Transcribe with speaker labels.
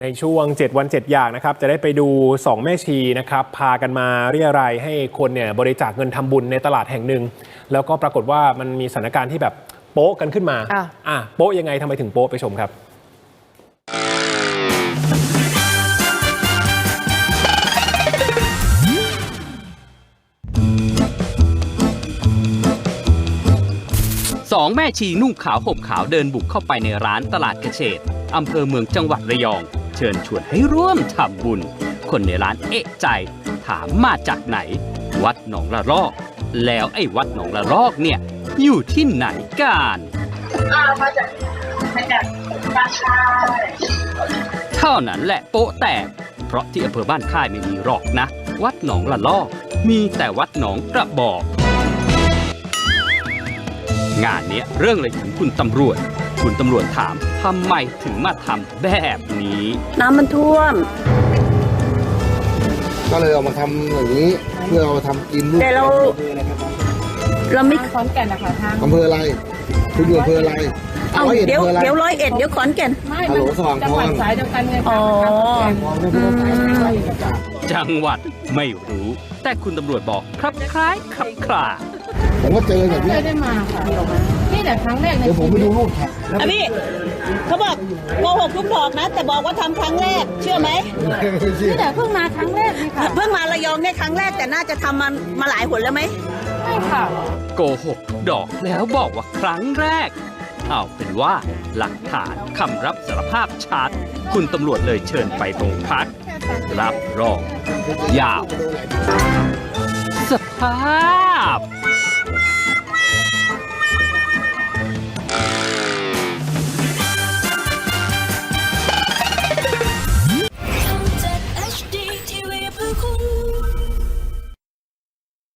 Speaker 1: ในช่วง7 วัน 7 อย่างนะครับจะได้ไปดู2แม่ชีนะครับพากันมาเรียรายให้คนเนี่ยบริจาคเงินทำบุญในตลาดแห่งหนึ่งแล้วก็ปรากฏว่ามันมีสถานการณ์ที่แบบโป๊ะกันขึ้นมาโป๊ะยังไงทำไมถึงโป๊ะไปชมครับ
Speaker 2: สองแม่ชีนุ่งขาวห่มขาวเดินบุกเข้าไปในร้านตลาดเกษตรอำเภอเมืองจังหวัดระยองเชิญชวนให้ร่วมทำบุญคนในร้านเอะใจถามมาจากไหนวัดหนองละรอกแล้วไอ้วัดหนองละรอกเนี่ยอยู่ที่ไหนกันมาจากบ้านค่ายเท่านั้นแหละโป๊ะแตกเพราะที่อำเภอบ้านค่ายไม่มีหรอกนะวัดหนองละลอกมีแต่วัดหนองกระบอกงานนี้เรื่องเลยถึงคุณตำรวจถามทำไมถึงมาทำแบบนี้
Speaker 3: น้ำมันท่วม
Speaker 4: ก็เลยเอามาทำอย่างนี้เพื่อเอามาทำกิน
Speaker 3: แต่เราไม่
Speaker 5: ขอนแก่นนะคะทาง
Speaker 4: อำเภออะไรคุณอยู่อำเภออะไร
Speaker 3: เดี๋ยว101เดี๋ยวขอนแก่น
Speaker 5: ไม่จังหวัดสายเดียวกันไง
Speaker 2: จังหวัดไม่รู้แต่คุณตำรวจบอกครับคล้ายครับคลา
Speaker 4: ผมก็เจอแบบนี้
Speaker 5: ได้มาค่ะนี่แต่ครั้งแรก
Speaker 4: เดี๋ยวผมไปดูรูปค่ะ
Speaker 3: พี่เขาบอกโกหกทุกดอกนะแต่บอกว่าทำครั้งแรกเชื่อไหม
Speaker 5: นี่แต่เพิ่งมาครั้งแรกนี่ค่ะ
Speaker 3: เพิ่งมาระยองเนี่ยครั้งแรกแต่น่าจะทำมาหลายหนแล้วไหม
Speaker 5: ใช่ค่ะ
Speaker 2: โกหกทุกดอกแล้วบอกว่าครั้งแรกเอาเป็นว่าหลักฐานคำรับสารภาพชัดคุณตำรวจเลยเชิญไปโรงพักรับรองยาวสภาพ